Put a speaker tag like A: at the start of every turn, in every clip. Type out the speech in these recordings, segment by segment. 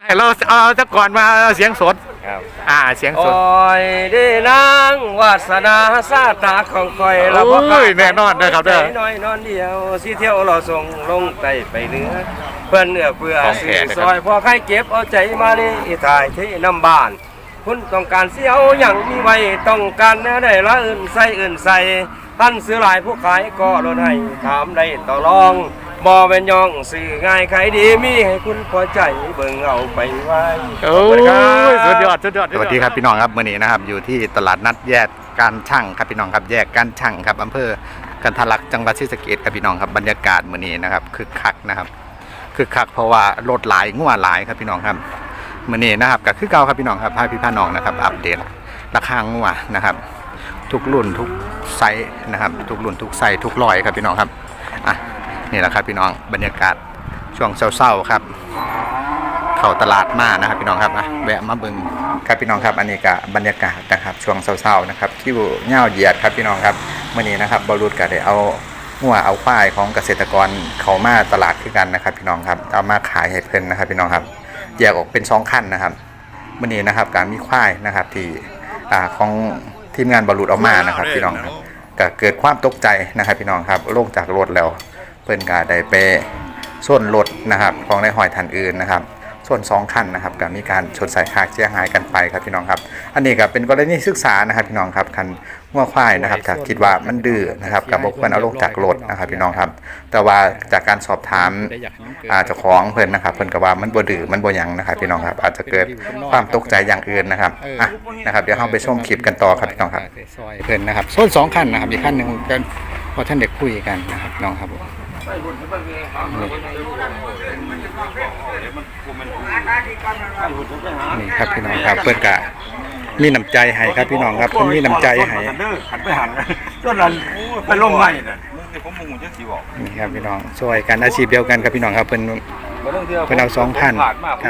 A: เราเอาจะก่อนมาเสียงสด
B: ครับ
A: เสียงสด
B: โอ้ยได้นางวาสนาซาตาของคอยเรา
A: บ่แน่นอนนะครับเด้อ
B: น้อยนอนเดียวสิเที่ยวเราส่งลงไตไปเหนือเพื่อนเนื้อเพื่อสื่อซอยพอใครเก็บเอาใจมานี่ถ่ายที่น้ำบ้านคุณต้องการเสียวอย่างมีไว้ต้องการเนื้อได้ละอื่นใส่ท่านซื้อหลายผู้ขายก็ลดให้ถามได้ต่อรองบ่เป็นย่องสื่อง่ายขายดีมีให้คุณพอใจเบิ่งเอาไปไว้
A: โอ้ยสุดยอดสวัสดีครับพี่น้องครับมื้อนี้นะครับอยู่ที่ตลาดนัดแยกการช่างครับพี่น้องครับแยกการช่างครับอำเภอกันทะลักจังหวัดศรีสะเกษครับพี่น้องครับบรรยากาศมื้อนี้นะครับคึกคักนะครับคึกคักเพราะว่ารถหลายงัวหลายครับพี่น้องครับมื้อนี้นะครับก็คือเก่าครับพี่น้องครับพาพี่น้องนะครับอัปเดตราคางัวนะครับทุกรุ่นทุกไซส์นะครับทุกรุ่นทุกไซส์ทุกร้อยครับพี่น้องครับนี่แหละครับพี่น้องบรรยากาศช่วงเศร้าๆครับเข้าตลาดมานะครับพี่น้องครับแวะมาเบิ่งครับพี่น้องครับอันนี้ก็บรรยากาศนะครับช่วงเศร้าๆนะครับที่เง่าเหยียดครับพี่น้องครับเมื่อนี้นะครับบรุษก็ได้เอาหัวเอาควายของเกษตรกรเขามาตลาดขึ้นกันนะครับพี่น้องครับเอามาขายให้เพิ่นนะครับพี่น้องครับแยกออกเป็น2ขั้นนะครับเมื่อนี้นะครับการมีควายนะครับที่ของทีมงานบรุษเอามานะครับพี่น้องครับก็เกิดความตกใจนะครับพี่น้องครับลงจากรถแล้วเพิ่นก็ได้ไปส้นรถนะครับของในหอยทันอื่นนะครับส่วน2คันนะครับก็มีการชนสายขาดเสียหายกันไปครับพี่น้องครับอันนี้ก็เป็นกรณีศึกษานะครับพี่น้องครับคันงัวควายนะครับถ้าคิดว่ามันดื้อนะครับก็บ่ควรเอาลงจากรถนะครับพี่น้องครับแต่ว่าจากการสอบถามเจ้าของเพิ่นนะครับเพิ่นก็ว่ามันบ่ดื้อมันบ่หยังนะครับพี่น้องครับอาจจะเกิดความตกใจอย่างอื่นนะครับนะครับเดี๋ยวเราไปชมคลิปกันต่อครับพี่น้องครับเพิ่นนะครับส่วน2คันนะครับอีกคันนึงกันว่าท่านเด็กคุยกันนะครับน้องครับนี่ครับพี่น้องครับเพื่อนกะมีน้ำใจให้ครับพี่น้องครับเพื่อนมีน้ำใจให้
B: หันไปหันต้นนั้นไปลงใหม่
A: นี่ครับพี่น้องช่วยกันอาชีพเดียวกันครับพี่น้องครับเพื่อนเอา2,000ครับ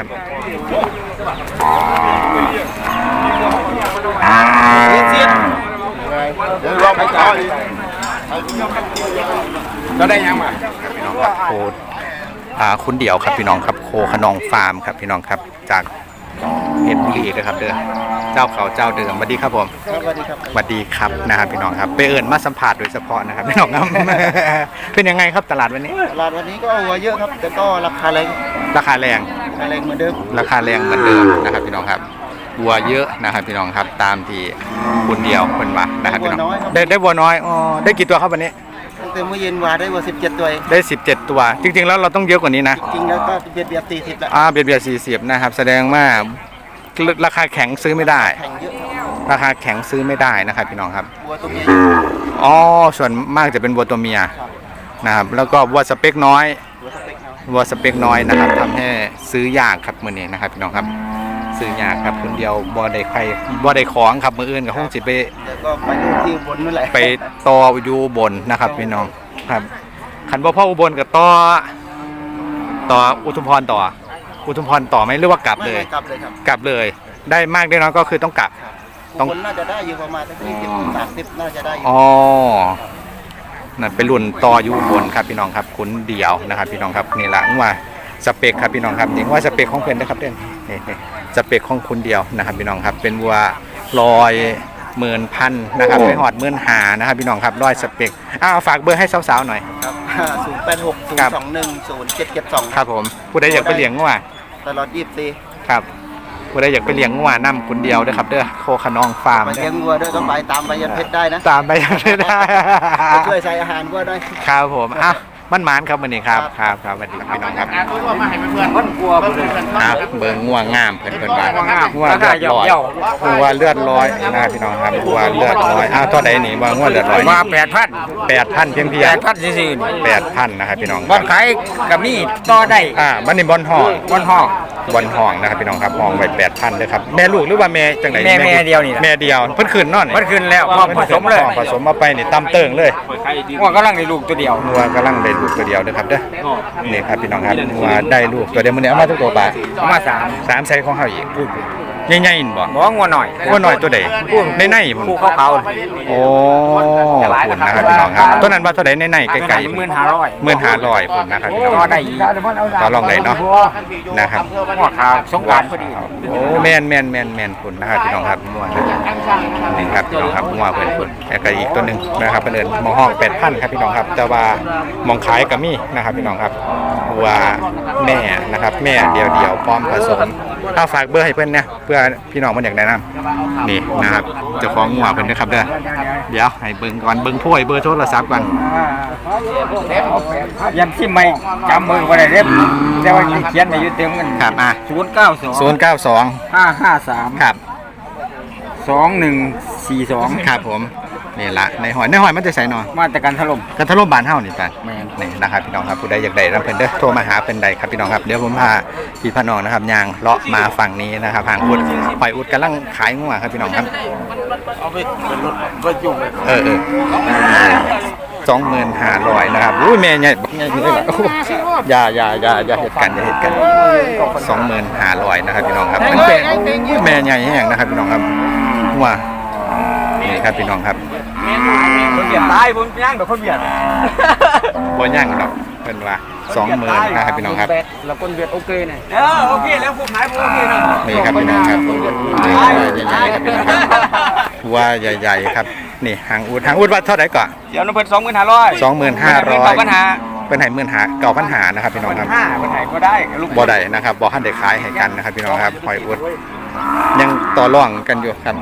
A: ก็ได้ยังมาพี่น้องครับโคคุณเดี่ยวครับพี่น้องครับโคขนองฟาร์มครับพี่น้องครับจากเพชรบุรีนะครับเด้อเจ้าเขาเจ้าเดิมสวัสดีครับผม
C: สวัสดีครับ
A: สวัสดีครับนะครับพี่น้องครับไปเอิญมาสัมผัสโดยเฉพาะนะครับพี่น้องครับเป็นยังไงครับตลาดวันนี้
C: ตลาดวันนี้ก็วัวเยอะครับแต่ก็ราคาแรง
A: เหมือนเดิมนะครับพี่น้องครับวัวเยอะนะครับพี่น้องครับตามที่คุณเดียวคนว่านะครับพี่น้องได้วัวน้อยได้กี่ตัวครับวันนี้
C: ตั้งแต่เมื่อเย็นวาได้วัว17ตัวเอง
A: ได้17ตัวจริงๆแล้วเราต้องเยอะกว่านี้นะ
C: จริงแล้วก็เบียด40แล้ว
A: เบียด40นะครับแสดงว่าราคาแข็งซื้อไม่ได้ราคาแข็งซื้อไม่ได้นะครับพี่น้องครับ
C: วัวตัวเมีย
A: ส่วนมากจะเป็นวัวตัวเมียนะครับแล้วก็วัวสเปคน้อยนะครับทำให้ซื้อยากครับมื้อนี้นะครับพี่น้องครับซื้อยากครับคนเดียวบ่ได้ของครับมื้ออื่นก็คงสิไป
C: ก็ไปดูที่บนนั่นแหละ
A: ไปต่ออยู่บนนะครับพี่น้องครับคันบ่พออุบลก็ต่ออุทุมพรต่อไหมหรือว่ากลับเลยกลับเลยได้มากได้น้อยก็คือต้องกลับ
C: ต้องน่าจะได้อยู่ประมาณ20-30น่าจะได้
A: นั่นเป็นรุ่นต่ออยู่บนครับพี่น้องครับขุนเดี่ยวนะครับพี่น้องครับนี่แหละว่าสเปคครับพี่น้องครับนี่ว่าสเปคของเพื่อนนะครับนี่สเปคของคุณเดียวนะครับพี่น้องครับเป็นวัว110,000นะครับไม่หอด15,000นะครับพี่น้องครับร้อยสเปคฝากเบอร์ให้สาวๆหน่อย
C: ครับ086-021-0772
A: ครับผมผู้ใดอยากไปเลี้ยงงัว
C: ตลอด24
A: ครับผู้ใดอยากไปเลี้ยงงัวนํคุณเดียวด้วยครับเด้อโคขนองฟาร์ม
C: ไปเลี้ยงงัวด้วยต้องไปตามใบยันเพชรได้นะ
A: ตามใบยันเพชรได้
C: ช่วยใส่อาหารวัวด้วย
A: ครับผมมันหมานครับวันนี้ครับสวัสดีพี่น้องครับ
B: คนกลัวเ
A: บิ่งงัวงามเพิ่นว่างัวเลือดลอยงัวเลือดลอยนะพี่น้องครับงัวเลือดลอยตัวใดนี่ว่างัวเลือดลอย
B: มา
A: 8,000เพียง
B: 8,000ซื่อ
A: 8,000นะครับพี่น้อง
B: บ่ขายกับนี่ต่อได้
A: มันนี่บอนห้องนะครับพี่น้องครับห้องไว้ 8,000เด้อครับแม่ลูกหรือว่าแม่จังได๋
B: แม่เดียวนี่
A: แม่เดียวเพิ่นขึ้นนอน
B: เพิ่นขึ้นแล้วพร้อมผสมเลย
A: ผสมมาไปนี่ตำเติงเลย
B: งัวกำลังได้ลูกตัวเดียว
A: ตัวเดียวนะครับเด้อนี่ครับพี่น้องครับว่าได้ลูกตัวเดียวมื้อนี้เอามาทุกตัวป่ะ
B: เอามา3
A: ไซส์ของเฮาอีกใหญ่ๆนี่บ่
D: บ่งัวหน่อย
A: ว่าน้อยตัวใดในพุ่น
D: ผู้เขา
A: โอ้พุ่นนะครับพี่น้องครับตัวนั้นว่าตัวใดในไกลๆ
D: 15,500
A: 15,500พุ่นนะครับพี่น้อง
D: ก็ได้อีก
A: ต่อรองได้เนาะนะครับ
D: หัวขาวสงกรานต์พอดี
A: โอ้แม่นพุ่นนะครับพี่น้องครับนี่ครับพี่น้องครับงัวเพิ่นแล้วก็อีกตัวหนึงนะครับเพิ่นเอิ้นหมอห้อง 8,000 ครับพี่น้องครับแต่ว่าหมองขายก็มีนะครับพี่น้องครับวัวแม่นะครับแม่เดียวๆพร้อมผสมถ้าฝากเบอร์ให้เพิ่นนะเพื่อพี่น้องมันอยากแนะนำนี่นะครับเจ้าของงัวเพิ่นนะครับเด้อเดี๋ยวให้เบิ่งก่อนเบิ่งผู้ให้เบอร์โทรศัพท์ก่อน
D: ยันที่ไม่จำมือบ่ได้เด้แต่ว่าเขียนไว้อยู่เต็มกัน
A: ครับ
D: 092
A: 092
D: 553
A: ครับ
D: 2142
A: ครับผมนี่ละในหอยมันจะใส่หน่อย
D: มาตรการถล่ม
A: กันทะลุบานเฮานี่จ้ะ
D: แม่น
A: นี่นะครับพี่น้องครับผู้ใดอยากได้นำเพิ่นเด้อโทรมาหาเพิ่นใดครับพี่น้องครับเดี๋ยวผมพาพี่พี่น้องนะครับย่างเลาะมาฝั่งนี้นะครับห่างอุดหอยอุดกำลังขายงัวครับพี่น้องครับ
C: เอาไปเป็นรถก็ยุ่งเลย
A: 25,000นะครับอุ้ยแม่ใหญ่บักใหญ่เลยล่ะโอ้อย่าเหตุกัน25,500นะครับพี่น้องครับมันเป็นแม่ใหญ่แห้งนะครับพี่น้องครับงัวนี่ครับพี่น้องครับ
D: คนเบียดตายผมย่างแบบคนเบียด
A: บ่ย่างดอกเพิ่นว่า 20,000นะครับพี่น้องครับ
D: แล้วคนเบียดโอเคเนี่ยโอเคแล้วผมหายผมโอเคนะ
A: นี่ครับพี่น้องครับใหญ่ๆครับพี่น้องครับว่าใหญ่ๆครับนี่หางอูดว่าเท่าไหร่ก่อน
D: เดี๋ยวน้ำเพิ่น25,000
A: 25,500
D: ปัญหา
A: เป็นไห9,500นะครับพี่น้องครับ
D: 5ปัญหาก็ได้ลูก
A: บ่ได้นะครับบ่ทันได้ขายให้กันนะครับพี่น้องครับหอยอูดยังต่อรองกันอยู่ครับ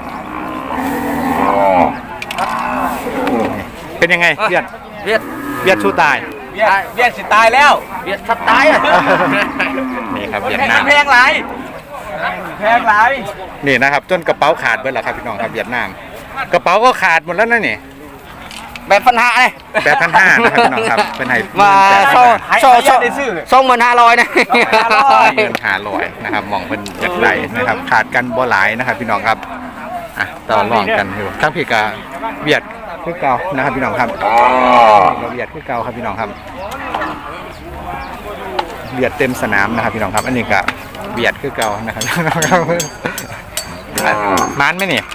A: เป็นยังไงเวียดสู้ตาย
D: เบียดสิตายแล้วเบียดทับตายอ่ะ
A: นี่ครับเวียดนาม
D: แพงหลาย
A: นี่นะครับจนกระเป๋าขาดเบิดแล้วครับพี่น้องครับเวียดนามกระเป๋าก็ขาดหมดแล้วนะนี่
D: แบบปัญหาเลย
A: 8,500นะครับพี่น้องครับเป็นไห้
D: มา25,000นะ
A: 15,500นะครับมองเป็นจากไหนนะครับขาดกันบ่หลายนะครับพี่น้องครับอ่ะต่อรองกันอยู่ทั้งพี่กาเบียดคือเก่านะครับพี่น้องครับเราเบียดคือเก่าครับพี่น้องครับเบียดเต็มสนามนะครับพี่น้องครับอันนี้ก็เบียดคือเก่านะครับมันไหมนี่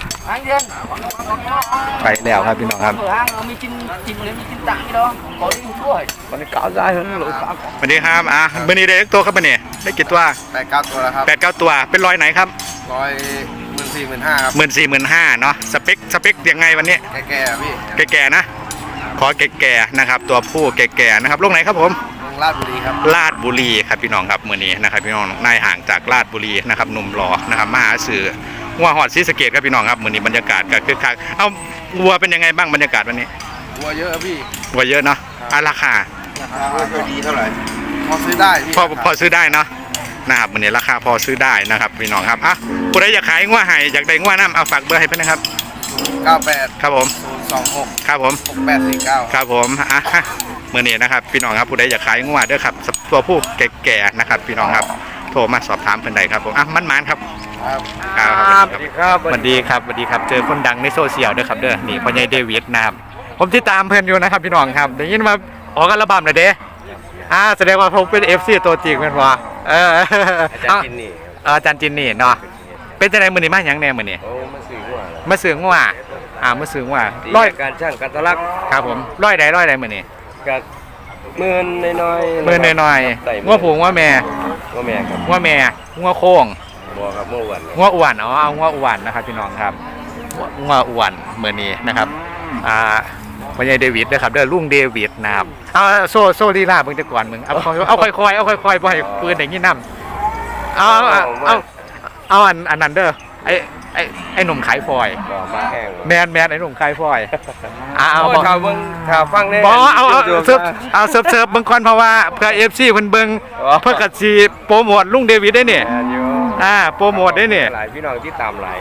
A: ไปแล้วครับพี่น้องครับ
D: มีจิ้มเลยมีจิ้มตังนี่เนาะขอดิ้นช่วยมันเก่าได้เลยหรือครับ
A: สวัสดีครับวันนี้ได้ตัวครับวันนี้ได้กี่ตัว
C: 8-9 ตัวแล้วครับ
A: 8-9 ตัวเป็นรอยไหนครับ
C: 114,500 ครับ
A: 14,500เนาะสเปคยังไงวันนี้
C: แก่ๆพี่
A: แก่ๆนะขอแก่ๆนะครับตัวผู้แก่ๆนะครับลงไหนครับผม
C: ลงราชบุรีครับ
A: ลาดบุรีครับพี่น้องครับมื้อนี้นะครับพี่น้องนายห่างจากลาดบุรีนะครับหนุ่มรอนะครับมาหาสื่อวัวหอดศรีสะเกษครับพี่น้องครับมื้อนี้บรรยากาศก็คึกคักเอาวัวเป็นยังไงบ้างบรรยากาศวันนี้
C: วัวเยอะพี่
A: วัวเยอะเนาะราคา
C: ไม่ค่อยดีเท่าไหร่พอซื้อได้พี่
A: พอซื้อได้เนาะนะครับมื้อนี้ราคาพอซื้อได้นะครับพี่น้องครับอ่ะผู้ใดอยากขายงัวให้อยากได้งัวน้ำเอาฝากเบอร์ให้เพิ่นนะครับ
C: 98
A: ครับผม
C: 026
A: ครับผม
C: 6849
A: ครับผมเมื่อนี้นะครับพี่น้องครับผู้ใดอยากขายงัวเด้อครับตัวผู้แก่ๆนะครับพี่น้องครับโทรมาสอบถามเพิ่นได้ครับผมมันครับ
C: ครับ
A: ครับ
B: สวัสดีครับ
A: สวัสดีครับเจอคนดังในโซเชียลเด้อครับเด้อนี่พ่อใหญ่เดวิดนะครับผมติดตามเพิ่นอยู่นะครับพี่น้องครับได้ยินมาออกอัลบั้มแล้วเด้แสดงว่าผมเป็น FC ตัวจริงแม่นบ่
B: อาจารย์จินนี่
A: อาจารย์จินนี่เนาะเป็นจังได๋มื้อนี้มาหยังแน่มื้อนี้
B: โอ้มาสื่อว่า
A: มาซื้องัวมาซื้องัว
B: ร้อยการช่างการตลัก
A: ครับผมร้อยใดมื้อนี้
B: กับหมื่นน้อยๆ
A: มื้อน้อยๆงัวผู้งัวแม่
B: ว่าแม่ครับ
A: งัวแม่งัวโค้ง
B: บัวครับเมื่อวัน
A: งัวอ้วนเอางัวอ้วนนะครับพี่น้องครับงัวอ้วนมื้อนี้นะครับพ่อใหญ่เดวิดเด้อครับเด้อลุงเดวิดนะครับเอาโซลีลาเบิ่งแต่ก่อนมึงเอาค่อยๆบ่ให้ปืนอย่างงี้นำเอาอันนั้นเด้อไอ้หนุ่มขายฟอย
B: บ่มาแห้ง
A: แมนไอ้หนุ่มขายฟอยเอา
B: ข่าวเบิ่งข่าวฟังแน่
A: บ่เอาเสิร์ฟเบิ่งก่อนเพราะว่าเพื่อ FC เพิ่นเบิ่งเพื่อก็สิโปรโมทลุงเดวิดได้นี่โปรโมทได้นี่
B: หลายพี่น้องที่ตามหลาย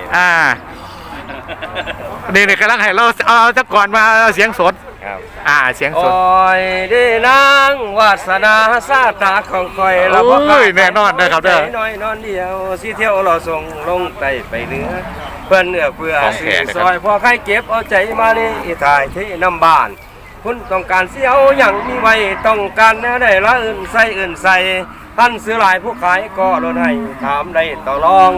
A: นี่กำลังให้เราเอาจักก่อนมาเสียงสด
B: ครับ
A: เสียงสด
B: โอ้ยได้นางวาสนาซาตาของคอย
A: โอ้ยแน่นอนนะครับเด้อ
B: น้อยนอนเดียวสิเที่ยวเราส่งลงไตไปเหนือเพื่อนเนื้อเพื่อ
A: ของแข
B: ซื้
A: ก
B: อ
A: นะครับ
B: ซอยพอใครเก็บเอาใจมานี่ถ่ายที่น้ำบ้านคุณต้องการเสียวอย่างมีไว้ต้องการแนวใดละอื่นใส่ท่านซื้อหลายผู้ขายก็ลดให้ถามได้ต่อรอง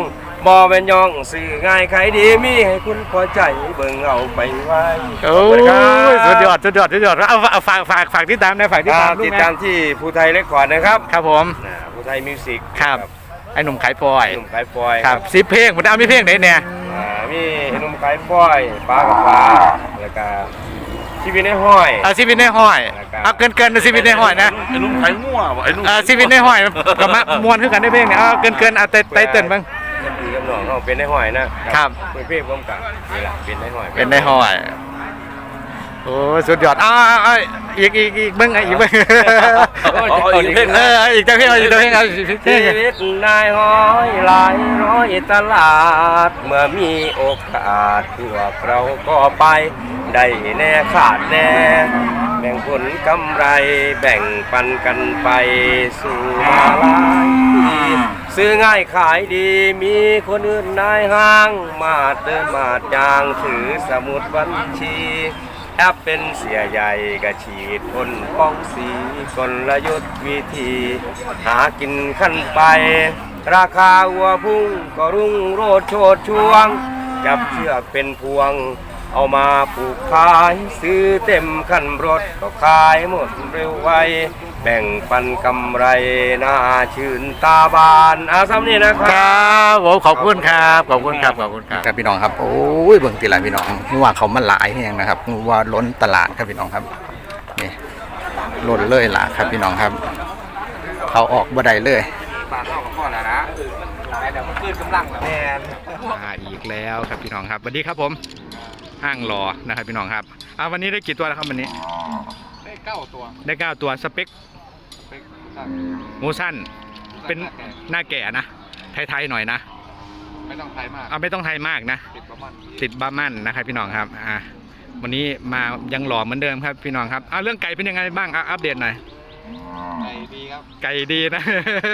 B: บ่เป็นย่องสื่อง่ายใครดีมีให้คุณพอใจเบิ่งเอาไปไว้
A: โอ้ยสุดยอดเอาฝากที่ตามนะฝากที่ตาม
B: ติดตามที่ภูไทยเรคคอร์ดนะครับ
A: ครับผม
B: ภูไทยมิวสิก
A: ครับไอ้หนุ่มขายปอย
B: หนุ่มขายปอย
A: ครับ10เพลงมันเอามีเพลงไหนเนี่ย
B: มีหนุ่มขายปอยปลากับปลาแล้วก็ชีวิตในห้อย
A: ชีวิตในห้อยเอาเกินชีวิตในห้อยนะ
E: ไอ้ลุงไข่มั่ววะไอ้ลุง
A: ชีวิตในห้อยกับมามวนขึ้นกันได้เพลงเนี่ยเอาเกินเอาไตเติ้ลบ้าง
B: ดีกับน้องเขาเป็นในห้อยนะครับ เป็นเพลงร่วมกันนี่แหละเป็นในห้อย
A: เป็นในห้อยโอ้สุดยอดอีกเบิ้งอีกเบิ้งอีกเพลงอีกเพลงอีกเพลง
B: ชีวิตนายห้อยหลายร้อยตลาดเมื่อมีโอกาสพวกเราก็ไปได้แน่ขาดแน่แบ่งผลกำไรแบ่งปันกันไปสู่มาลายซื้อง่ายขายดีมีคนอื่นนายห้างมาเดินมาจางถือสมุดบัญชีแอปเป็นเสียใหญ่กระฉีดพ่นป้องสีกลยุทธ์วิธีหากินขั้นไปราคาวัวพุ่งก็รุ่งโรดโชดช่วงจับเชือกเป็นพวงเอามาปลูกขายซื้อเต็มคันรถก็ขายหมดเร็วไวแบ่งปันกำไรน่าชื่นตาบานซ้ำนี่นะค
A: ครับผมขอบคุณครับครับพี่น้องครับโอ้ยเบิ่งตีหลายพี่น้องว่าเขามันหลายแห้งนะครับว่าล้นตลาดครับพี่น้องครับนี่ล้นเลยล่ะครับพี่น้องครับ เขาออกบ่ได้เลย
D: ปากเข้ากับพ่อแล้วนะเดี๋ยวมันขึ้นกำลังแล้วแม่
A: มาอีกแล้วครับพี่น้องครับสวัสดีครับผมห้างรอนะครับพี่น้องครับวันนี้ได้กี่ตัวแล้วครับวันนี้
D: ได้9 ตัว
A: ได้9ตัวสเปคงูสั้นเป็นหน้าแก่นะไทยๆหน่อยนะ
D: ไม่ต้องไทยมาก
A: ไม่ต้องไทยมากนะติดบาร์มันนะครับพี่น้องครับวันนี้มายังหล่อเหมือนเดิมครับพี่น้องครับเรื่องไก่เป็นยังไงบ้างอัปเดตหน่อย
D: ไก่ดีครับ
A: ไก่ดีนะ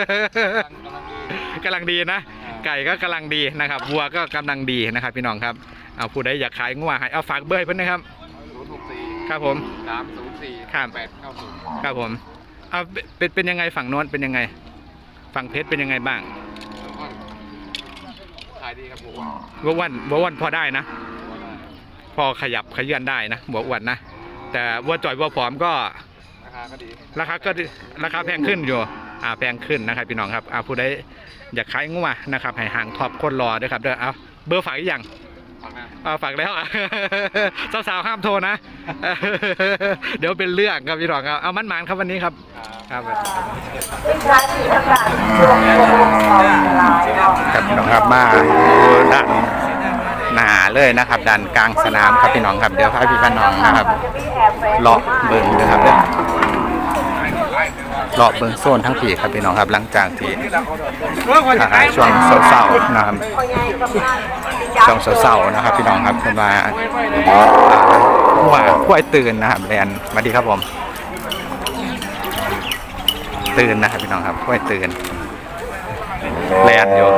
A: กำลังดีนะไก่ก็กำลังดีนะครับวัวก็กำลังดีนะครับพี่น้องครับผู้ใดอยากขายงัวให้ฝากเบอร์เพื่อนนะครับ064ครับผม
D: 304
A: ครับ
D: 890
A: ครับผมเป็นยังไงฝั่งโน้นเป็นยังไงฝั่งเพชรเป็นยังไงบ้าง
D: ขายดีครับบัว
A: วัววันพอได้นะพอขยับขยื่นได้นะบัวอ้วนนะแต่วัวจ่อยวัวผอมก็ราคาแพงขึ้นอยู่แพงขึ้นนะครับพี่น้องครับผู้ใดอยากขายงัวนะครับให้ห่างท็อปคนรอด้วยครับเด้อเบอร์ฝากอีกอย่างฝากแล้วสาวๆห้ามโทรนะเดี๋ยวเป็นเรื่องครับพี่น้องครับมันหมานครับวันนี้ครับครับพี่น้องครับมาด้านหนาเลยนะครับด้านกลางสนามครับพี่น้องครับเดี๋ยวพาพี่น้องนะครับเลาะเบิ่งนะครับเลาะเบิ่งโซนทั้งปีครับพี่น้องครับหลังจากที่ช่วงเศร้าๆนะครับช่วงเศร้าๆนะครับพี่น้องครับเป็นมาขั้วตื่นนะครับแลนมาดีครับผมตื่นนะครับพี่น้องครับขั้วตื่นแลนอยู่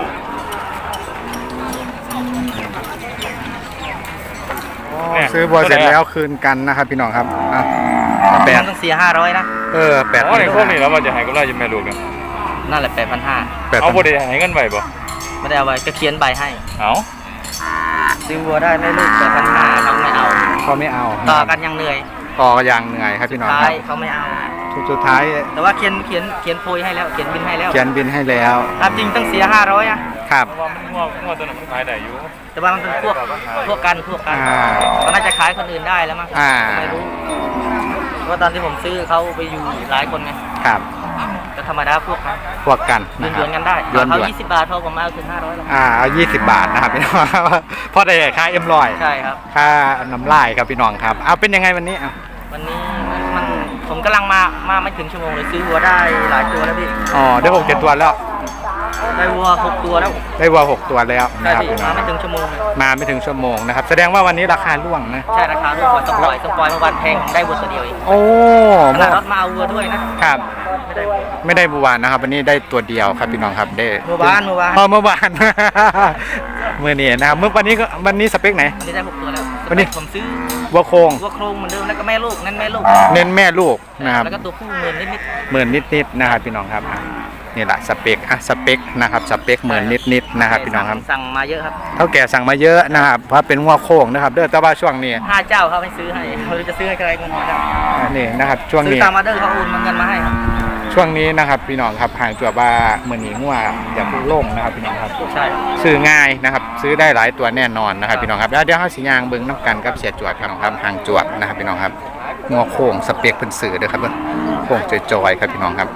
A: ซื้อบัวเสร็จแล้วคืนกันนะครับพี่น้องครับ
D: ต้องเสีย500นะ
A: 8,000
E: ในพวกนี้แล้วมันจะหายกำไรจะแม่ลูกกัน
D: นั่นแหละ8,500
E: เอาบ่ได้หายเงินใบบ่
D: ไม่ได้เอาไว้ก็เขียนใบให้
E: เอา
D: ซื้อวัวได้ไม่ลูก8,500เขาไม่เอา
A: เขาไม่เอา
D: ต่อกันยังเหนื่อย
A: ต่อยังเหนื่อยครับพี่น้องครับ
D: เขาไม่เอา
A: สุดท้าย
D: แต่ว่าเขียนโพยให้แล้วเขียนบินให้แล้ว
A: เขียนบินให้แล้ว
D: จริงต้องเสีย500
A: ครับ
E: ว่ามันงัวตัวนั้นมันขายได้อยู่
D: แต่ว่ามันเป็นพวกกันก็น่าจะขายคนอื่นได้แล้วมั้งไม่รู้เพราะตอนที่ผมซื้อเขาไปอยู่หลายคนไง
A: ครับ
D: ก็ธรรมดาพวก
A: กัน
D: ย้อนกันได้เขา20 บาทพอผมเอาถึง500แล้ว
A: เอา20 บาทนะครับพี่น้องพอได้ค่าM100
D: ใช่ครับ
A: ค่าน้ำลายครับพี่น้องครับเป็นยังไงวันนี้
D: วันนี้มันผมกำลังมาไม่ถึงชั่วโมงเลยซื้อวัวได้หลายตัวแล้วพี่
A: ได้6-7 ตัวแล้ว
D: ได้วัว6 ตัวแล้ว
A: ได้วัว6 ตัวแล้วนะครับ
D: มาไม่ถึงชั่วโมง
A: นะครับแสดงว่าวันนี้ราคาร่วงนะ
D: ใช่ราคาร่วงต้องปล่อยเมื่อวันแพงได้วัวตัวเดียวเองขนาดรถมาเอาวัวด้วยนะครับ
A: ไม่ได้บัวนะครับวันนี้ได้ตัวเดียวครับพี่น้องครับได้
D: เมื่อวานเมื่อวาน
A: เมื่อนี้นะครับวันนี้สเปคไหน
D: วันนี้ได้6 ตัวแล้ว
A: วันนี้
D: ผมซื้อ
A: วัวโครง
D: เหมือนเดิมแล้วก็แม่ลูกเน้นแม่ลูก
A: นะครับ
D: แล้วก็ตัวผู้10,000 นิด
A: ๆนะครับพี่น้องครับนี่แหละสเปคสเปคนะครับสเปคเหมือนนิดๆนะครับพี่น้องครับ
D: สั่งมาเยอะครับ
A: เท่าแก่สั่งมาเยอะนะครับเพราะเป็นงัวโค้งนะครับเด้อแต่ว่าช่วงนี้
D: 5 เจ้าเขาให้ซื้อให้เขาจะซื้อให้ใครเงินมาได้
A: นี่นะครับช่วง
D: ซื้อ
A: นี้
D: ตามออเดอร์เขาโอนเงินมาให้ครับ
A: ช่วงนี้นะครับพี่น้องครับห่างจากว่าเหมือนหนีงัวอย่าเพิ่งลงนะครับพี่น้องครับ
D: ใช่
A: ซื้อง่ายนะครับซื้อได้หลายตัวแน่นอนนะครับพี่น้องครับแล้วเดี๋ยวเขาสิยางเบิ้งน้ำกันกับเสียจวดพี่น้องครับห่างจวดนะครับพี่น้องครับงัวโค้งสเปคเป็นสื่อเด้อครับโค้งจอยๆครับพี่น้องครับ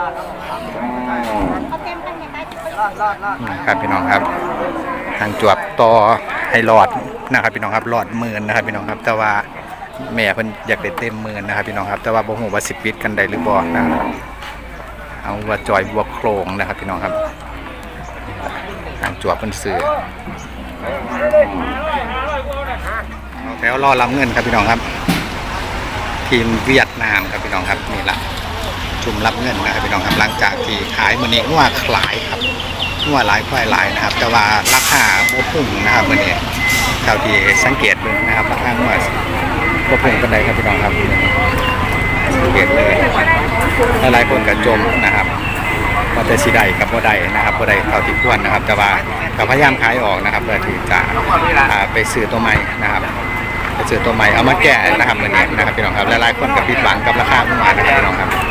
A: ครับพี่น้องครับห่างจวบต่อให้หลอดนะครับพี่น้องครับหลอดหมื่นนะครับพี่น้องครับแต่ว่าแม่เพิ่นอยากได้เต็มหมื่นนะครับพี่น้องครับแต่ว่าบ่ฮู้ว่าสิปิดกันได้หรือบ่นะครับเอาว่าจอยบวกโครงนะครับพี่น้องครับห่างจวบเป็นสื่อแล้วรอรับเงินครับพี่น้องครับทีมเวียดนามครับพี่น้องครับนี่ละชุมรับเงินนะครับพี่น้องครับหลังจากที่ขายมื้อนี้งัวหลายครับงัวหลายควายหลายนะครับแต่ว่าราคาบ่พุ่งนะครับมื้อนี้เท่าที่สังเกตดูนะครับราคางัวบ่พุ่งปานใดครับพี่น้องครับสังเกตเลยหลายๆคนก็จมนะครับว่าแต่สิได้กับบ่ได้นะครับบ่ได้เท่าที่ควรนะครับ แต่ว่าก็พยายามขายออกนะครับเพื่อที่จะไปซื้อตัวใหม่นะครับไปซื้อตัวใหม่เอามาแก้นะครับมื้อนี้นะครับพี่น้องครับหลายๆคนก็ผิดหวังกับราคางัวนะครับพี่น้องครับ